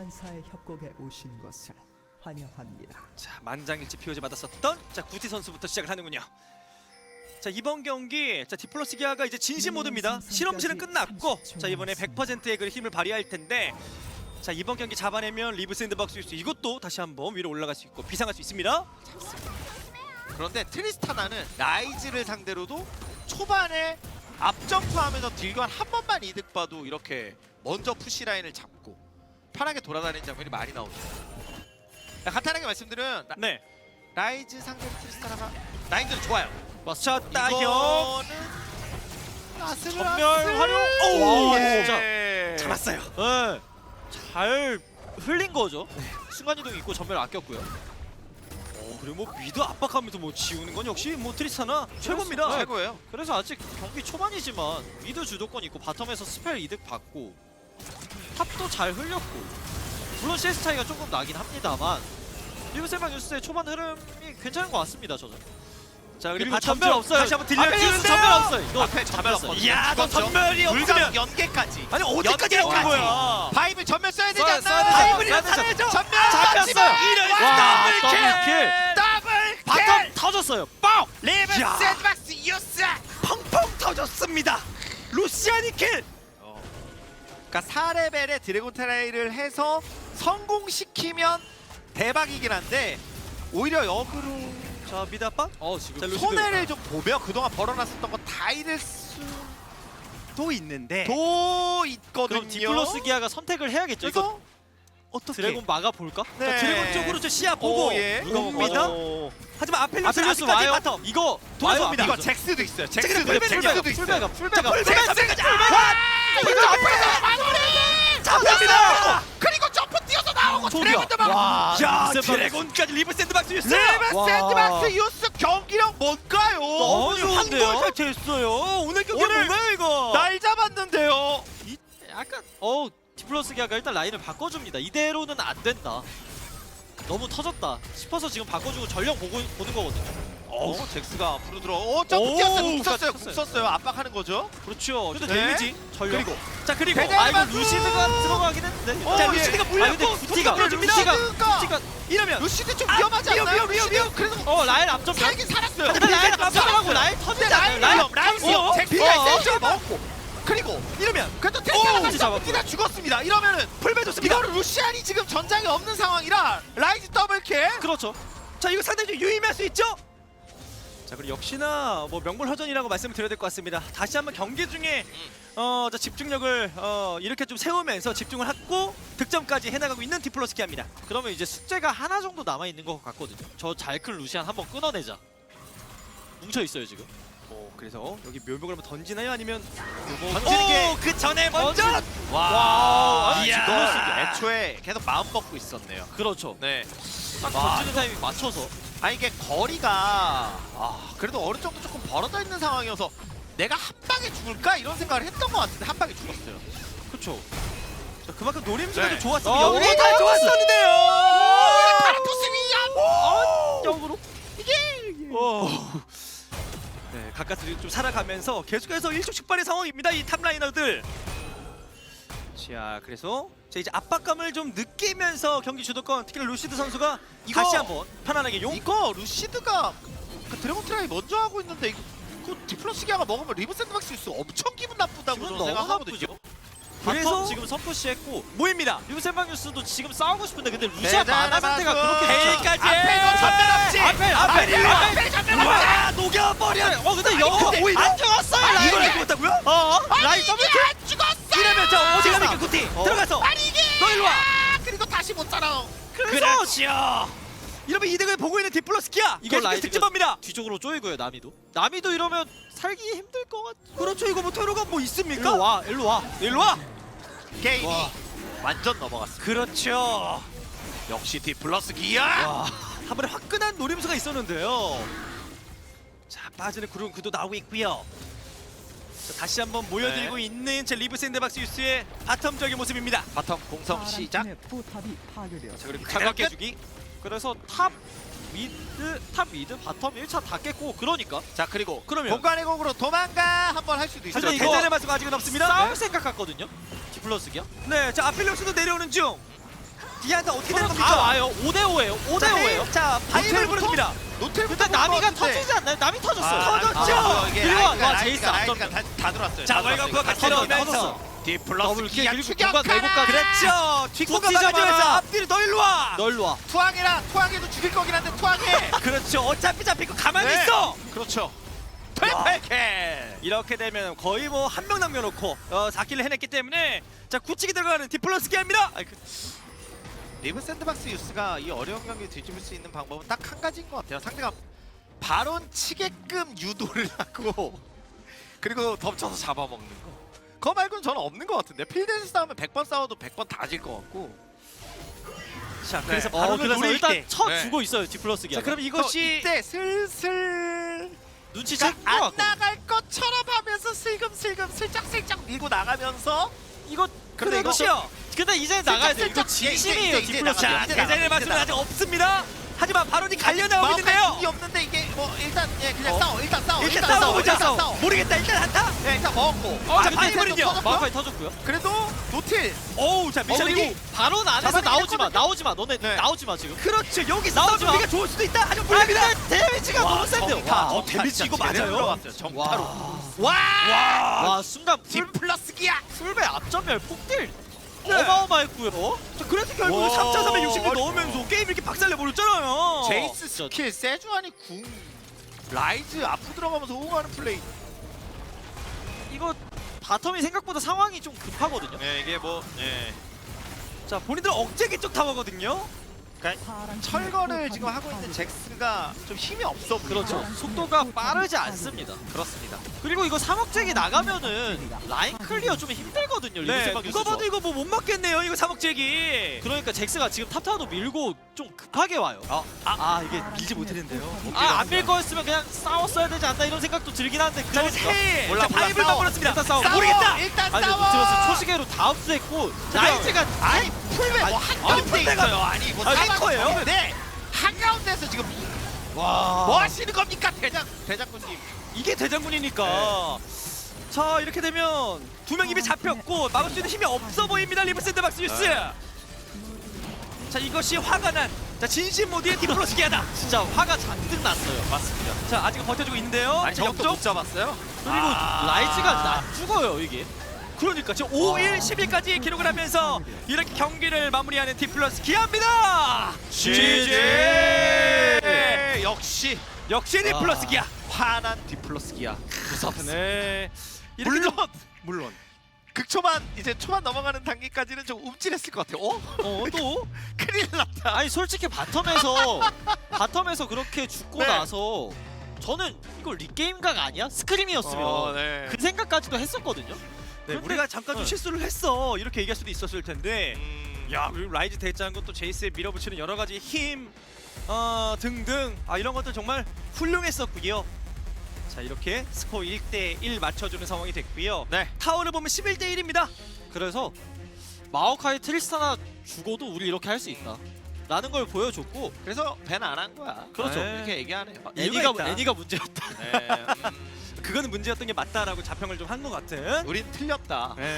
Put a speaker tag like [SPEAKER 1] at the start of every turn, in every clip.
[SPEAKER 1] 전사의 협곡에 오신 것을 환영합니다.
[SPEAKER 2] 자, 만장일치 POG 받았었던 자 구티 선수부터 시작을 하는군요. 자, 이번 경기 자 디플러스 기아가 이제 진심 모드입니다. 실험실은 끝났고 자 이번에 100%의 그 힘을 발휘할 텐데 자 이번 경기 잡아내면 리브 샌드박스 유스 이것도 다시 한번 위로 올라갈 수 있고 비상할 수 있습니다.
[SPEAKER 3] 그런데 트리스타나는 라이즈를 상대로도 초반에 앞점프하면서 딜관 한 번만 이득 봐도 이렇게 먼저 푸시 라인을 잡고 편하게 돌아다니는 장면이 많이 나오죠. 간단하게 말씀드리면
[SPEAKER 2] 네.
[SPEAKER 3] 라이즈 상대 트리스타나가 라인들은 좋아요.
[SPEAKER 2] 자, 따격.
[SPEAKER 3] 이거는
[SPEAKER 2] 전멸 활용.
[SPEAKER 3] 오,
[SPEAKER 2] 오,
[SPEAKER 3] 진짜
[SPEAKER 2] 잡았어요.
[SPEAKER 4] 네, 잘 흘린 거죠. 순간이동 있고 전멸 아꼈고요.
[SPEAKER 2] 그리고 뭐 미드 압박하면서 뭐 지우는 건 역시 뭐 트리스타나 최고입니다.
[SPEAKER 3] 최고예요.
[SPEAKER 4] 그래서 아직 경기 초반이지만 미드 주도권 있고 바텀에서 스펠 이득 받고 탑도 잘 흘렸고 물론 CS 차이가 조금 나긴 합니다만 리브 샌드박스 유스의 초반 흐름이 괜찮은 것 같습니다. 저는.
[SPEAKER 2] 자,
[SPEAKER 4] 그리고
[SPEAKER 2] 바텀
[SPEAKER 4] 전멸
[SPEAKER 2] 쪽
[SPEAKER 4] 없어요.
[SPEAKER 2] 다시 한번
[SPEAKER 4] 앞에 유스
[SPEAKER 2] 들려주는데요.
[SPEAKER 4] 전멸 없어요. 이거
[SPEAKER 3] 앞에 전멸 없거든요.
[SPEAKER 2] 이야, 너
[SPEAKER 3] 죽었죠?
[SPEAKER 2] 전멸이 없으면
[SPEAKER 3] 불가능 연계까지.
[SPEAKER 2] 아니 어디까지
[SPEAKER 3] 연계까지.
[SPEAKER 2] 한 거야?
[SPEAKER 3] 바이블 전멸 써야 되지
[SPEAKER 4] 써야
[SPEAKER 3] 않나요?
[SPEAKER 4] 되죠.
[SPEAKER 2] 바이블이랑
[SPEAKER 4] 써야 되죠.
[SPEAKER 2] 살아야죠.
[SPEAKER 3] 전멸
[SPEAKER 4] 잡혔어요.
[SPEAKER 2] 이런
[SPEAKER 4] 와,
[SPEAKER 2] 더블킬.
[SPEAKER 3] 더블
[SPEAKER 4] 바텀 터졌어요. 뻥!
[SPEAKER 3] 리브
[SPEAKER 2] 야.
[SPEAKER 3] 샌드박스 유스.
[SPEAKER 2] 펑펑 터졌습니다. 루시아니 킬.
[SPEAKER 3] 그러니까 4레벨의 드래곤 테라이를 해서 성공시키면 대박이긴 한데 오히려 역으로
[SPEAKER 2] 자, 미드 압박.
[SPEAKER 4] 지금
[SPEAKER 2] 자, 루시드.
[SPEAKER 3] 손해를 좀 보며 그동안 벌어놨었던 거 다 잃을 수도
[SPEAKER 2] 또 있는데.
[SPEAKER 3] 있거든요.
[SPEAKER 4] 그럼 디플러스 기아가 선택을 해야겠죠. 이거
[SPEAKER 3] 그래서 어떻게
[SPEAKER 4] 드래곤 막아 볼까?
[SPEAKER 3] 네.
[SPEAKER 2] 자, 드래곤 쪽으로 저 시야 보고
[SPEAKER 3] 오, 예.
[SPEAKER 2] 옵니다. 하지만 아펠리오스
[SPEAKER 4] 아펠리오스
[SPEAKER 2] 아직까지
[SPEAKER 4] 와요.
[SPEAKER 2] 바텀.
[SPEAKER 4] 이거
[SPEAKER 2] 돌아섭니다.
[SPEAKER 3] 이거 잭스도 있어요.
[SPEAKER 2] 잭스도
[SPEAKER 3] 잭스도
[SPEAKER 2] 풀백이에요.
[SPEAKER 3] 있어요.
[SPEAKER 4] 풀베가
[SPEAKER 2] 풀백까지
[SPEAKER 3] 이거 앞에서 마무리!
[SPEAKER 2] 잡혔습니다.
[SPEAKER 3] 그리고 점프 뛰어서 나오고
[SPEAKER 4] 저기요.
[SPEAKER 3] 드래곤도 막
[SPEAKER 4] 와,
[SPEAKER 2] 자,
[SPEAKER 4] 리브 샌드박스.
[SPEAKER 2] 드래곤까지 리브 샌드박스 유스.
[SPEAKER 3] 리브
[SPEAKER 4] 와.
[SPEAKER 3] 샌드박스 유스 경기력 뭔가요?
[SPEAKER 4] 너무 좋은데요?
[SPEAKER 2] 한골 됐어요. 오늘 경기
[SPEAKER 3] 오늘
[SPEAKER 2] 뭔가요 이거?
[SPEAKER 3] 날 잡았는데요.
[SPEAKER 4] 약간 디플러스 기아가 일단 라인을 바꿔줍니다. 이대로는 안 된다. 너무 터졌다 싶어서 지금 바꿔주고 전령 보는 거거든요.
[SPEAKER 3] 잭스가 앞으로 들어. 점프
[SPEAKER 2] 오,
[SPEAKER 3] 뛰었어요. 궁
[SPEAKER 4] 쳤어요.
[SPEAKER 3] 썼어요. 압박하는 거죠.
[SPEAKER 4] 그렇죠.
[SPEAKER 2] 근데
[SPEAKER 3] 네.
[SPEAKER 2] 데미지.
[SPEAKER 4] 전령.
[SPEAKER 3] 그리고
[SPEAKER 2] 자, 그리고
[SPEAKER 3] 배달-
[SPEAKER 4] 이거
[SPEAKER 3] 박수!
[SPEAKER 4] 루시드가 들어가긴 했는데.
[SPEAKER 3] 어,
[SPEAKER 2] 자,
[SPEAKER 3] 예.
[SPEAKER 2] 루시드가
[SPEAKER 4] 근데
[SPEAKER 2] 물렸고
[SPEAKER 4] 구티가
[SPEAKER 2] 구티가 끌어줍니다.
[SPEAKER 3] 루시드가
[SPEAKER 2] 이러면
[SPEAKER 3] 루시드 좀 위험하지 않나요?
[SPEAKER 2] 위험.
[SPEAKER 3] 그래서
[SPEAKER 4] 라인 앞점
[SPEAKER 3] 살긴 살았어요.
[SPEAKER 4] 하지만 라인
[SPEAKER 3] 살긴
[SPEAKER 4] 앞점하고
[SPEAKER 3] 살았어요.
[SPEAKER 4] 라인
[SPEAKER 3] 근데
[SPEAKER 4] 터지잖아요.
[SPEAKER 3] 라인 위험. 라인 위험.
[SPEAKER 2] 어,
[SPEAKER 3] 잭스가
[SPEAKER 4] 어,
[SPEAKER 3] 센스를 먹었고 그리고
[SPEAKER 2] 이러면
[SPEAKER 3] 그래도
[SPEAKER 4] 오,
[SPEAKER 3] 테스트가
[SPEAKER 4] 진짜
[SPEAKER 3] 점프 뛰다 죽었습니다. 이러면은
[SPEAKER 2] 풀배 좋습니다.
[SPEAKER 3] 이거를 루시안이 지금 전장에 없는 상황이라 라이즈 더블킬.
[SPEAKER 4] 그렇죠.
[SPEAKER 2] 자, 이거 상당히 좀 유의미할 수 있죠? 자, 그리고 역시나 뭐 명불허전이라고 말씀을 드려야 될 것 같습니다. 다시 한번 경기 중에 자, 집중력을 이렇게 좀 세우면서 집중을 하고 득점까지 해나가고 있는 디플러스 기아입니다.
[SPEAKER 4] 그러면 이제 숙제가 하나 정도 남아 있는 것 같거든요. 저 잘 큰 루시안 한번 끊어내자. 뭉쳐 있어요 지금.
[SPEAKER 2] 그래서 여기 묘목을 한번 던지나요? 아니면
[SPEAKER 3] 던지는 게
[SPEAKER 2] 그 전에 먼저
[SPEAKER 3] 와,
[SPEAKER 4] 아니,
[SPEAKER 2] 이야.
[SPEAKER 3] 디플러스 애초에 계속 마음 먹고 있었네요.
[SPEAKER 4] 그렇죠.
[SPEAKER 3] 네.
[SPEAKER 4] 딱
[SPEAKER 3] 와.
[SPEAKER 4] 던지는 타이밍 맞춰서.
[SPEAKER 3] 이게 거리가 그래도 어느 정도 조금 벌어져 있는 상황이어서 내가 한 방에 죽을까 이런 생각을 했던 것 같은데 한 방에 죽었어요.
[SPEAKER 4] 그렇죠.
[SPEAKER 2] 자, 그만큼 노림수가
[SPEAKER 3] 네.
[SPEAKER 2] 좀 좋았습니다.
[SPEAKER 4] 어,
[SPEAKER 2] 여기
[SPEAKER 4] 오,
[SPEAKER 2] 다 좋았었는데요.
[SPEAKER 3] 파라토스미야.
[SPEAKER 4] 역으로.
[SPEAKER 2] 네, 가까스로 좀 살아가면서 계속해서 일촉즉발의 상황입니다. 이 탑라이너들. 자, 그래서 자, 이제 압박감을 좀 느끼면서 경기 주도권 특히 루시드 선수가
[SPEAKER 3] 이거-
[SPEAKER 2] 다시 한번 편안하게 용.
[SPEAKER 3] 이거 루시드가 그 드래곤 트라이 먼저 하고 있는데 이거 디플러스 기아가 먹으면 리브 샌드박스 유스 엄청 기분 나쁘다고
[SPEAKER 4] 기분
[SPEAKER 3] 저는
[SPEAKER 4] 너무
[SPEAKER 3] 생각하거든요.
[SPEAKER 4] 나쁘죠.
[SPEAKER 2] 그래서
[SPEAKER 4] 바텀 지금 선푸시했고
[SPEAKER 2] 모입니다.
[SPEAKER 4] 리브 샌드박스도 지금 싸우고 싶은데 근데 루시안
[SPEAKER 3] 대단한
[SPEAKER 4] 만화 상태가
[SPEAKER 3] 마수.
[SPEAKER 4] 그렇게
[SPEAKER 2] 베일까지.
[SPEAKER 3] 앞에도 전멸 없지.
[SPEAKER 4] 앞에 일로 와.
[SPEAKER 3] 앞에 전멸 없지.
[SPEAKER 2] 와, 녹여버려.
[SPEAKER 4] 근데
[SPEAKER 3] 아니,
[SPEAKER 4] 영어
[SPEAKER 3] 근데
[SPEAKER 2] 오히려
[SPEAKER 4] 안 죽었어요. 라인.
[SPEAKER 2] 이걸 알고 못하고요?
[SPEAKER 4] 라인 더블
[SPEAKER 3] 이게 안 죽었어.
[SPEAKER 2] 이러면 저 어디 갑니까 구티? 들어가서.
[SPEAKER 3] 아니 이게
[SPEAKER 2] 너 일로 와.
[SPEAKER 3] 그리고 다시 못 살아.
[SPEAKER 2] 그렇죠. 이러면 이득을 보고 있는 디플러스 기아.
[SPEAKER 4] 이거
[SPEAKER 2] 계속
[SPEAKER 4] 라이즈가
[SPEAKER 2] 득점합니다.
[SPEAKER 4] 뒤쪽으로 쪼이고요. 나미도 이러면 살기 힘들 것 같죠.
[SPEAKER 2] 그렇죠. 이거 뭐 퇴로가 뭐 있습니까?
[SPEAKER 4] 일로 와.
[SPEAKER 2] 일로 와.
[SPEAKER 3] 게임이
[SPEAKER 4] 와.
[SPEAKER 3] 완전 넘어갔습니다.
[SPEAKER 2] 그렇죠.
[SPEAKER 3] 역시 디플러스 기아.
[SPEAKER 2] 와, 한 번에 화끈한 노림수가 있었는데요. 자, 빠지는 구름 구도 나오고 있고요. 자, 다시 한번 모여들고 있는 제 리브 샌드박스 유스의 바텀적인 모습입니다.
[SPEAKER 3] 바텀 공성 시작.
[SPEAKER 1] 파란 팀의 포탑이 파괴되었습니다.
[SPEAKER 2] 자, 그리고
[SPEAKER 4] 잠깐
[SPEAKER 2] 깨주기.
[SPEAKER 4] 그래서 탑 미드 바텀 1차 다 깼고 그러니까
[SPEAKER 3] 자 그리고
[SPEAKER 2] 그러면-
[SPEAKER 3] 공간의 공으로 도망가 한번 할 수도 있죠.
[SPEAKER 2] 하지만
[SPEAKER 4] 이거-
[SPEAKER 2] 대전의 맛은 아직은 없습니다.
[SPEAKER 4] 싸울 생각 같거든요. 디플러스 기아.
[SPEAKER 2] 네, 자 아필리오스도 내려오는 중. 디아한테 어떻게 되는
[SPEAKER 4] 서로
[SPEAKER 2] 겁니까?
[SPEAKER 4] 다 와요. 5대5예요. 5대5예요.
[SPEAKER 2] 자, 바이블 부릅니다.
[SPEAKER 3] 노텔부터
[SPEAKER 4] 근데 나미가 터지지 않나요? 남이 터졌어요.
[SPEAKER 2] 터졌죠?
[SPEAKER 3] 이게
[SPEAKER 4] 그리고
[SPEAKER 3] 라이트가,
[SPEAKER 4] 와, 제이스
[SPEAKER 3] 라이트가,
[SPEAKER 4] 앞전.
[SPEAKER 3] 라이트가 다 들어왔어요.
[SPEAKER 2] 자,
[SPEAKER 3] 다
[SPEAKER 2] 월간부가
[SPEAKER 3] 들어왔어요.
[SPEAKER 2] 같이
[SPEAKER 3] 다
[SPEAKER 2] 들어오면서
[SPEAKER 3] 들어왔어요. 디플러스
[SPEAKER 4] 더블 킬,
[SPEAKER 3] 기아
[SPEAKER 4] 그리고
[SPEAKER 3] 추격하라.
[SPEAKER 4] 공간 왜곡까지.
[SPEAKER 2] 그렇죠. 뒷공간
[SPEAKER 4] 쫓기자
[SPEAKER 2] 막아주면서
[SPEAKER 4] 마라.
[SPEAKER 2] 앞뒤로 너 일로 와.
[SPEAKER 4] 널로 와.
[SPEAKER 3] 투항해도 죽일 거긴 한데 투항해.
[SPEAKER 2] 그렇죠. 어차피 잡힐 거 가만히
[SPEAKER 3] 네.
[SPEAKER 2] 있어.
[SPEAKER 3] 그렇죠. 트리플
[SPEAKER 2] 이렇게 되면 거의 뭐 한 명 남겨놓고 4킬을 해냈기 때문에 자 굳히기 들어가는 디플러스 기아입니다.
[SPEAKER 3] 리브 샌드박스 유스가 이 어려운 경기 뒤집을 수 있는 방법은 딱 한 가지인 것 같아요. 상대가 바론 치게끔 유도를 하고 그리고 덮쳐서 잡아먹는 거. 그거 말고는 저는 없는 것 같은데 필드에서 싸우면 100번 싸워도 100번 다 질 것 같고.
[SPEAKER 2] 자 그래서
[SPEAKER 3] 네.
[SPEAKER 2] 바로
[SPEAKER 4] 그래서
[SPEAKER 2] 노릴
[SPEAKER 4] 일단
[SPEAKER 2] 때.
[SPEAKER 4] 쳐주고 있어요. 디플러스 기아.
[SPEAKER 2] 자 그럼 이것이
[SPEAKER 3] 이때 슬슬
[SPEAKER 4] 눈치챌 것
[SPEAKER 3] 안
[SPEAKER 4] 같고.
[SPEAKER 3] 나갈 것처럼 하면서 슬금슬금 슬쩍슬쩍 밀고 나가면서
[SPEAKER 4] 이거
[SPEAKER 3] 근데 이거
[SPEAKER 2] 그렇죠.
[SPEAKER 4] 근데 이제 나가야 돼. 이거
[SPEAKER 3] 슬쩍,
[SPEAKER 4] 진심이에요.
[SPEAKER 3] 이제
[SPEAKER 4] 디플러스
[SPEAKER 3] 나가야
[SPEAKER 4] 기아.
[SPEAKER 3] 돼.
[SPEAKER 2] 대장의 말씀은 아직 없습니다. 하지만 바론이 갈려 나오고
[SPEAKER 3] 마우카이
[SPEAKER 2] 있는데요.
[SPEAKER 3] 궁이 없는데 이게 뭐 일단 그냥 싸워 일단 싸워
[SPEAKER 2] 일단 싸워보자.
[SPEAKER 3] 일단 싸워
[SPEAKER 2] 모르겠다. 일단 한타.
[SPEAKER 3] 네, 일단 먹었고
[SPEAKER 2] 자,
[SPEAKER 3] 근데
[SPEAKER 2] 바이블은요?
[SPEAKER 3] 좀 터졌고요.
[SPEAKER 4] 마우카이 터졌고요.
[SPEAKER 3] 그래도 노틸
[SPEAKER 2] 오우 자 미션이
[SPEAKER 4] 그리고 바론 안에서
[SPEAKER 3] 잡아내긴
[SPEAKER 4] 나오지 마.
[SPEAKER 3] 했거든요.
[SPEAKER 4] 나오지 마. 너네
[SPEAKER 3] 네.
[SPEAKER 4] 나오지 마 지금.
[SPEAKER 2] 그렇죠. 여기
[SPEAKER 4] 나오지 마.
[SPEAKER 2] 싸우면 우리가 좋을 수도 있다. 하지만
[SPEAKER 4] 아
[SPEAKER 2] 불리합니다.
[SPEAKER 4] 근데 데미지가 너무 센데요.
[SPEAKER 3] 정타.
[SPEAKER 4] 와.
[SPEAKER 2] 데미지 이거
[SPEAKER 3] 제대로
[SPEAKER 2] 맞아요?
[SPEAKER 3] 들어갔어요. 정타로
[SPEAKER 4] 와.
[SPEAKER 3] 와
[SPEAKER 4] 와 순간
[SPEAKER 3] 디플러스 기아
[SPEAKER 4] 풀배 앞전멸 폭딜
[SPEAKER 2] 네.
[SPEAKER 4] 어마어마했고요.
[SPEAKER 2] 자, 그래서 결국
[SPEAKER 3] 와.
[SPEAKER 2] 3차 360도 넣으면서 게임 이렇게 박살내버렸잖아요.
[SPEAKER 3] 제이스 스킬 세주안이 궁 라이즈 앞으로 들어가면서 호응하는 플레이.
[SPEAKER 4] 이거 바텀이 생각보다 상황이 좀 급하거든요.
[SPEAKER 3] 네 이게 뭐
[SPEAKER 2] 자 본인들 억제기 쪽 타워거든요.
[SPEAKER 3] 철거를 지금 하고 있는 잭스가 좀 힘이 없어 보여요.
[SPEAKER 4] 그렇죠. 속도가 빠르지 않습니다.
[SPEAKER 3] 그렇습니다.
[SPEAKER 4] 그리고 이거 3억잭이 나가면은 라인 클리어 좀 힘들거든요.
[SPEAKER 2] 네,
[SPEAKER 4] 리브세방
[SPEAKER 2] 누가 봐도 이거 뭐 못 맞겠네요. 이거 사목제기.
[SPEAKER 4] 그러니까 잭스가 지금 탑타워도 밀고 좀 급하게 와요.
[SPEAKER 2] 이게 밀지 못했는데요.
[SPEAKER 4] 안 밀 거였으면 그냥 싸웠어야 되지 않나 이런 생각도 들긴 하는데
[SPEAKER 2] 자,
[SPEAKER 4] 그러니까.
[SPEAKER 2] 세.
[SPEAKER 3] 몰라,
[SPEAKER 2] 자,
[SPEAKER 3] 몰라,
[SPEAKER 2] 바이블만
[SPEAKER 3] 싸워.
[SPEAKER 2] 걸었습니다.
[SPEAKER 4] 일단 싸워.
[SPEAKER 2] 모르겠다.
[SPEAKER 3] 일단
[SPEAKER 4] 아니
[SPEAKER 3] 싸워.
[SPEAKER 4] 들었어 초시계로 다 흡수했고 라이즈가
[SPEAKER 3] 아니 풀백 뭐 한가운데
[SPEAKER 2] 풀백가-
[SPEAKER 3] 있어요. 아니 뭐
[SPEAKER 2] 탱커예요?
[SPEAKER 3] 네 한가운데서 지금 뭐 하시는 겁니까 대장군님?
[SPEAKER 2] 이게 대장군이니까. 자 이렇게 되면 두 명 입이 잡혔고 막을 수 있는 힘이 없어 보입니다. 리브 샌드박스 유스. 자 이것이 화가 난 진심 모드의 디플러스 기아다.
[SPEAKER 4] 진짜 화가 잔뜩 났어요. 맞습니다.
[SPEAKER 2] 자 아직 버텨주고 있는데요.
[SPEAKER 3] 아니
[SPEAKER 2] 자,
[SPEAKER 3] 저것도 못 잡았어요?
[SPEAKER 4] 그리고 라이즈가 안 죽어요 이게.
[SPEAKER 2] 그러니까 지금 5일 10일까지 기록을 하면서 이렇게 경기를 마무리하는 디플러스 기아입니다.
[SPEAKER 3] GG! 역시
[SPEAKER 2] 역시 디플러스 기아.
[SPEAKER 3] 화난 디플러스 기아.
[SPEAKER 2] 네. 이렇게
[SPEAKER 3] 물론
[SPEAKER 2] 물론.
[SPEAKER 3] 극초반 이제 초반 넘어가는 단계까지는 좀 움찔했을 것 같아요.
[SPEAKER 2] 또
[SPEAKER 3] 큰일 났다.
[SPEAKER 4] 아니 솔직히 바텀에서 그렇게 죽고
[SPEAKER 3] 네.
[SPEAKER 4] 나서 저는 이거 리게임각 아니야? 스크림이었으면
[SPEAKER 3] 네.
[SPEAKER 4] 그 생각까지도 했었거든요.
[SPEAKER 2] 네,
[SPEAKER 4] 근데-
[SPEAKER 2] 우리가 잠깐 좀 실수를 했어. 이렇게 얘기할 수도 있었을 텐데.
[SPEAKER 3] 야,
[SPEAKER 2] 야, 그리고 라이즈 대장군 또 제이스에 밀어붙이는 여러 가지 힘 등등 이런 것들 정말 훌륭했었고요. 자, 이렇게 스코어 1대1 맞춰주는 상황이 됐고요.
[SPEAKER 3] 네.
[SPEAKER 2] 타워를 보면 11대1입니다.
[SPEAKER 4] 그래서 마오카이 트리스타나 죽어도 우리 이렇게 할 수 있다 라는 걸 보여줬고
[SPEAKER 3] 그래서 밴 안 한 거야.
[SPEAKER 2] 그렇죠.
[SPEAKER 3] 이렇게 얘기하네요.
[SPEAKER 2] 이유가 있다.
[SPEAKER 4] 애니가 문제였다.
[SPEAKER 3] 네,
[SPEAKER 2] 그거는 문제였던 게 맞다라고 자평을 좀 한 것 같은.
[SPEAKER 3] 우린 틀렸다.
[SPEAKER 2] 네.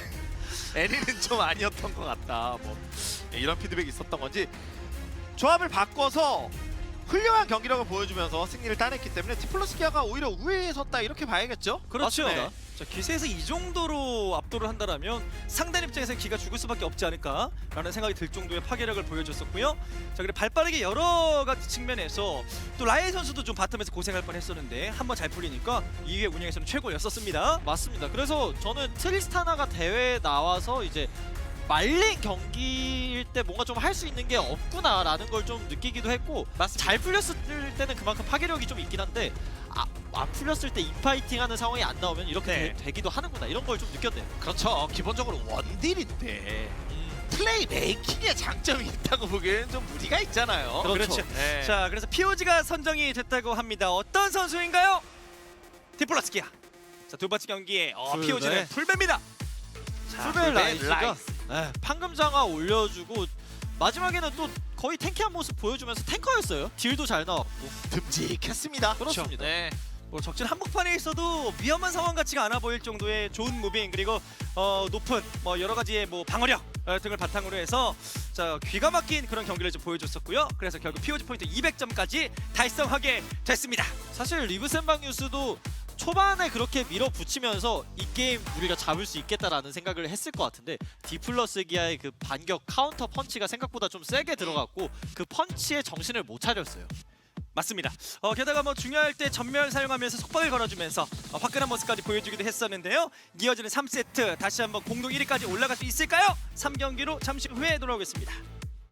[SPEAKER 3] 애니는 좀 아니었던 것 같다. 뭐 이런 피드백이 있었던 건지 조합을 바꿔서 훌륭한 경기력을 보여주면서 승리를 따냈기 때문에 디플러스 기아가 오히려 우위에 섰다 이렇게 봐야겠죠?
[SPEAKER 2] 그렇죠.
[SPEAKER 3] 맞습니다.
[SPEAKER 2] 자, 기세에서 이 정도로 압도를 한다라면 상대 입장에서 기가 죽을 수밖에 없지 않을까라는 생각이 들 정도의 파괴력을 보여줬었고요. 자, 그리고 발빠르게 여러 가지 측면에서 또 라이 선수도 좀 바텀에서 고생할 뻔했었는데 한번 잘 풀리니까 이게 운영에서는 최고였었습니다.
[SPEAKER 4] 맞습니다. 그래서 저는 트리스타나가 대회에 나와서 이제 말린 경기일 때 뭔가 좀 할 수 있는 게 없구나라는 걸 좀 느끼기도 했고 잘 풀렸을 때는 그만큼 파괴력이 좀 있긴 한데 안 풀렸을 때 인파이팅 하는 상황이 안 나오면 이렇게
[SPEAKER 2] 네.
[SPEAKER 4] 되기도 하는구나 이런 걸 좀 느꼈네요.
[SPEAKER 3] 그렇죠. 기본적으로 원딜인데 플레이 메이킹에 장점이 있다고 보기에는 좀 무리가 있잖아요.
[SPEAKER 4] 그렇죠.
[SPEAKER 3] 네.
[SPEAKER 2] 자, 그래서 POG가 선정이 됐다고 합니다. 어떤 선수인가요? 디플러스 기아. 자, 두 번째 경기에
[SPEAKER 4] 풀베.
[SPEAKER 2] POG는 풀베입니다.
[SPEAKER 4] 풀벨 라이즈가
[SPEAKER 3] 라이즈.
[SPEAKER 4] 판금장화 올려주고 마지막에는 또 거의 탱키한 모습 보여주면서 탱커였어요. 딜도 잘 나왔고.
[SPEAKER 3] 듬직했습니다.
[SPEAKER 4] 그렇습니다.
[SPEAKER 3] 네.
[SPEAKER 2] 뭐 적진 한복판에 있어도 위험한 상황 같지가 않아 보일 정도의 좋은 무빙 그리고 높은 뭐 여러 가지의 뭐 방어력 등을 바탕으로 해서 자 귀가 막힌 그런 경기를 좀 보여줬었고요. 그래서 결국 POG 포인트 200점까지 달성하게 됐습니다.
[SPEAKER 4] 사실 리브 샌방뉴스도 초반에 그렇게 밀어붙이면서 이 게임 우리가 잡을 수 있겠다라는 생각을 했을 것 같은데 디플러스 기아의 그 반격 카운터 펀치가 생각보다 좀 세게 들어갔고 그 펀치에 정신을 못 차렸어요.
[SPEAKER 2] 맞습니다. 게다가 뭐 중요할 때 전멸 사용하면서 속박을 걸어주면서 화끈한 모습까지 보여주기도 했었는데요. 이어지는 3세트 다시 한번 공동 1위까지 올라갈 수 있을까요? 3경기로 잠시 후에 돌아오겠습니다.